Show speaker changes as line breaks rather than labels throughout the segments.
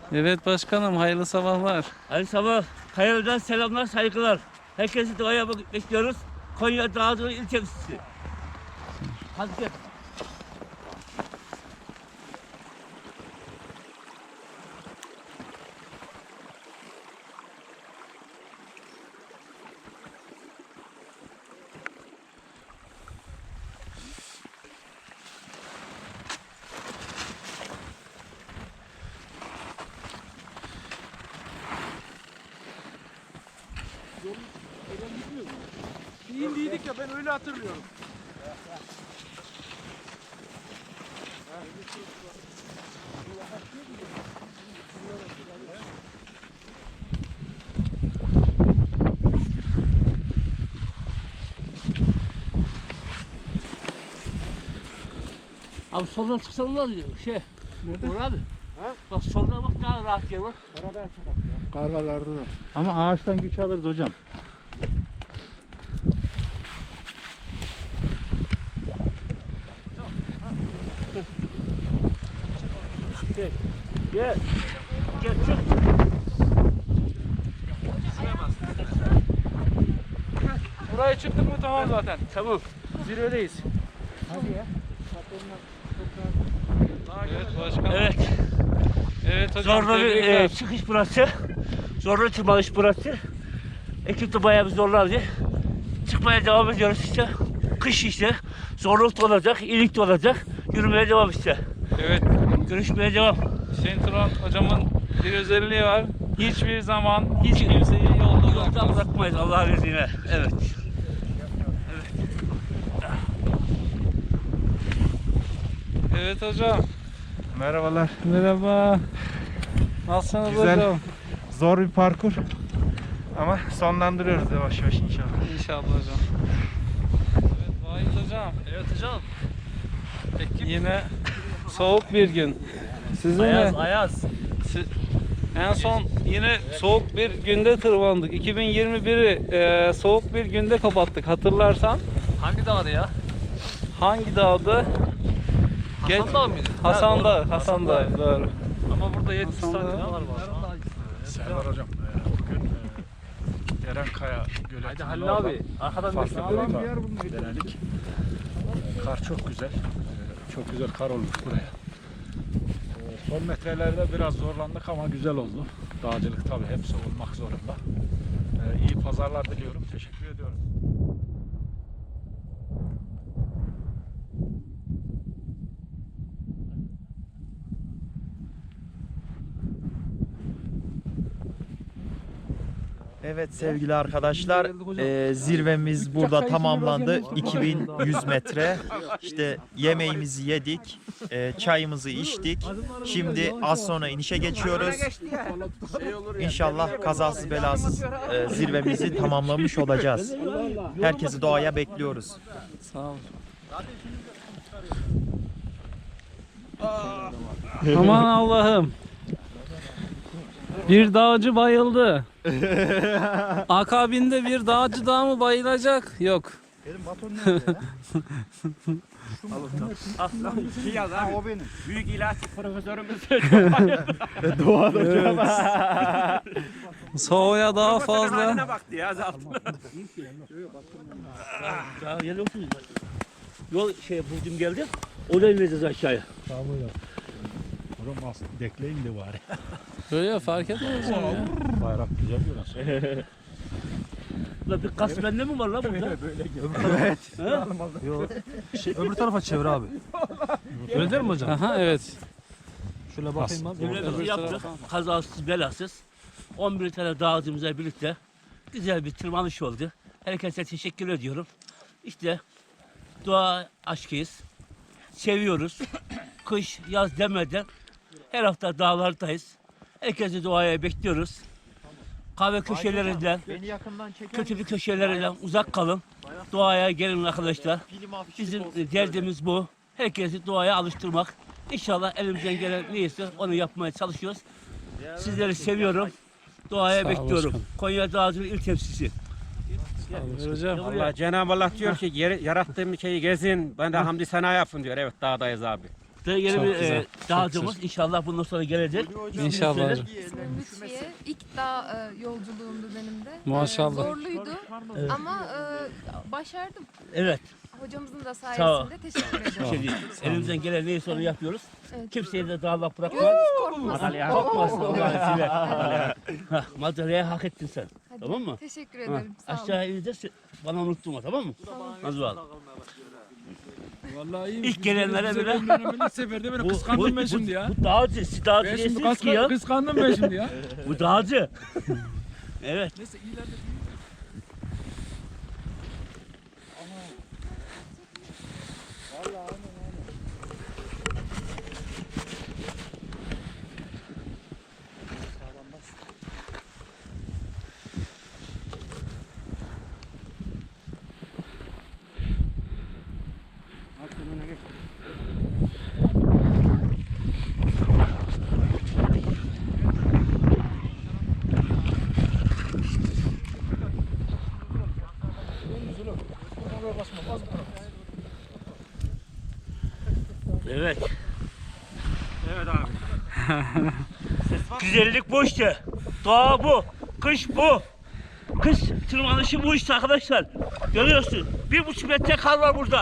Evet başkanım, hayırlı sabahlar.
Hayırlı sabah. Kayalı'dan selamlar, saygılar. Herkesi doğaya bekliyoruz. Konya Dağcılı İl Temsilcisi. Hadi gel.
İyiydik ya, ben öyle hatırlıyorum.
Abi soldan çıksan var ya Nerede? Uğur abi. Ha? Bak soldan bak daha rahat yer var.
Kargalarda da.
Ama ağaçtan güç alırız hocam.
Gel. Gel. Gel çık.
Buraya çıktık mı tamam zaten.
Tamam.
Zirvedeyiz.
Evet başkanım.
Evet.
Evet hocam,
Zorlu bir
tebrikler.
çıkış burası. Zorlu tırmanış burası. Ekip de bayağı bir zorlandı. Çıkmaya devam ediyoruz işte. Kış işte. Zorluk da olacak, iyilik de olacak. Yürümeye devam işte.
Evet,
Görüşmeye devam.
Hüseyin Turan hocamın bir özelliği var. Hiçbir zaman hiç kimseyi yolda
Yolda
bırakmaz.
bırakmayız Allah'ın izniyle. Evet.
Evet hocam.
Merhabalar.
Merhaba. Nasılsınız
Güzel.
hocam?
Zor bir parkur. Ama sonlandırıyoruz yavaş yavaş inşallah.
İnşallah hocam. Evet Vahit hocam.
Evet hocam.
Yine soğuk bir gün. Sizin
Ayaz,
de
ayaz.
en son yine soğuk bir günde tırmandık. 2021'i soğuk bir günde kapattık. Hatırlarsan
Hangi dağda ya?
hangi dağdı?
Hasan Dağı mıydı?
Hasan
Ha,
Dağı.
doğru.
Hasan Dağı. Doğru.
Ama burada 70
Hasan
tane
Dağı.
dağlar var.
Serdar hocam. Bugün Erenkaya Göleti'nin
Hadi Halil abi. Arkadan bir
denedik. Kar çok güzel. Çok güzel kar olmuş buraya. Son metrelerde biraz zorlandık ama güzel oldu. Dağcılık tabii hepsi olmak zorunda. İyi pazarlar diliyorum. Teşekkür ediyorum.
Evet sevgili arkadaşlar, zirvemiz burada tamamlandı. 2100 metre. İşte yemeğimizi yedik, çayımızı içtik. Şimdi az sonra inişe geçiyoruz. İnşallah kazasız belasız zirvemizi tamamlamış olacağız. Herkesi doğaya bekliyoruz.
Sağ ol. Aman Allah'ım. Bir dağcı bayıldı. Akabinde bir dağcı daha mı bayılacak? Yok.
Benim baton nerede ya?
O benim.
Büyük ilaç profesörümüz.
Soğuğa daha fazla.
baktı ya zaten. Ya geliyor musunuz? Yol Burcum geldi. Oraya ineceğiz aşağıya.
Tamam hocam. Hocam dekleyin de bari.
Böyle fark etmez hocam ya.
Bayrak güzel görünüyor.
La bir kas bende mi var la burada?
Öbür tarafa çevir abi. Öyle değil mi hocam?
Aha evet.
Şöyle bakayım abi.
Zirvemizi yaptık. Kazasız belasız. 11 tane dağcımızla birlikte güzel bir tırmanış oldu. Herkese teşekkür ediyorum. İşte doğa aşkıyız. Seviyoruz. Kış, yaz demeden her hafta dağlardayız. Herkesi doğaya bekliyoruz. Kahve köşelerinden,
Beni yakından çeker
kötülük köşelerinden uzak kalın. Doğaya gelin arkadaşlar. Bizim derdimiz bu. Herkesi doğaya alıştırmak. İnşallah elimizden gelen neyse onu yapmaya çalışıyoruz. Sizleri seviyorum. Doğaya
Sağ ol
bekliyorum.
başkanım.
Konya Dağcılı İl Temsilcisi.
Hocam.
Allah Cenab-ı Allah diyor ki yarattığım şeyi gezin, ben de hamdi sana yapın diyor. Evet dağdayız abi.
çıktı. Yeni
Çok
bir
güzel, çok
dağcımız inşallah bundan sonra gelecek.
İnşallah
Söyle.
hocam.
İsmim Lütfiye. İlk dağ yolculuğumdu benim de.
Maşallah.
Zorluydu ama başardım.
Evet.
Hocamızın da
Sağ ol.
sayesinde teşekkür
Bir
ederim.
şey değil. Elimizden gelen neyse onu yapıyoruz.
Evet.
Kimseye de dağılmak bırakma.
Gözünüz korkmasın.
Korkmasın Allah'ın izniyle. Hah, madalyayı hak ettin sen.
Hadi.
Tamam mı?
Teşekkür
Ha,
ederim. Sağ olun.
aşağı ineceğiz. Bana unutturma, tamam mı? Hadi bakalım.
Vallahi iyi.
İlk gelenlere bile
İlk seferde beni kıskandım ben şimdi ya.
Bu dağcı, siz dağcı
Ben şimdi
değilsiniz ki ya.
kıskandım ben şimdi ya.
Bu dağcı. Evet.
Neyse ileride
Evet. Evet abi. Güzellik bu işte. Doğa bu. Kış bu. Kış tırmanışı bu işte arkadaşlar. Görüyorsun. 1,5 metre kar var burada.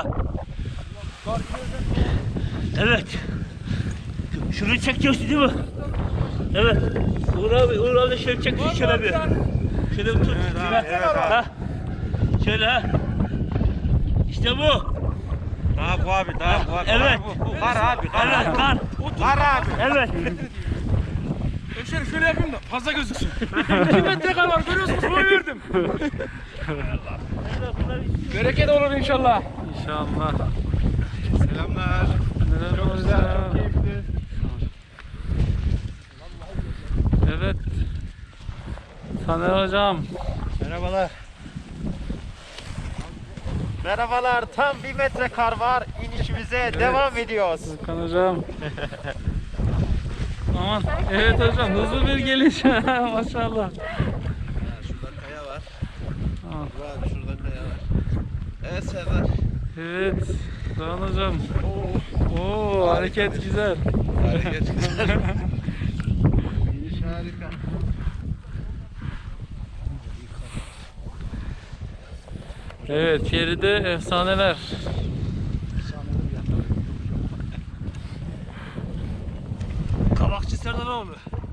Evet. Şunu çekiyorsun değil mi? Evet. Uğur abi şöyle çek şöyle bir. Şöyle bir tut. Evet, ha. Şöyle ha. İşte bu.
Daha bu abi, daha bu abi.
Evet.
Kar abi,
Evet kar.
Kar abi.
Evet.
şöyle yapayım da fazla gözüksün. 2 metre kar var görüyorsunuz boy verdim. Bereket olur inşallah.
İnşallah.
Selamlar.
Merhaba. Evet. Taner hocam.
Merhabalar. Merhabalar. Tam 1 metre kar var. İnişimize devam ediyoruz.
Hakan hocam. Aman. Evet hocam hızlı bir geliş. Maşallah.
Şurada kaya var.
Tamam.
Abi şurada kaya var. Evet Serdar.
Evet. Doğan hocam. Oo hareket güzel.
Hareket güzel. İniş harika.
Evet geride efsaneler.
Kabakçı Serdar abi.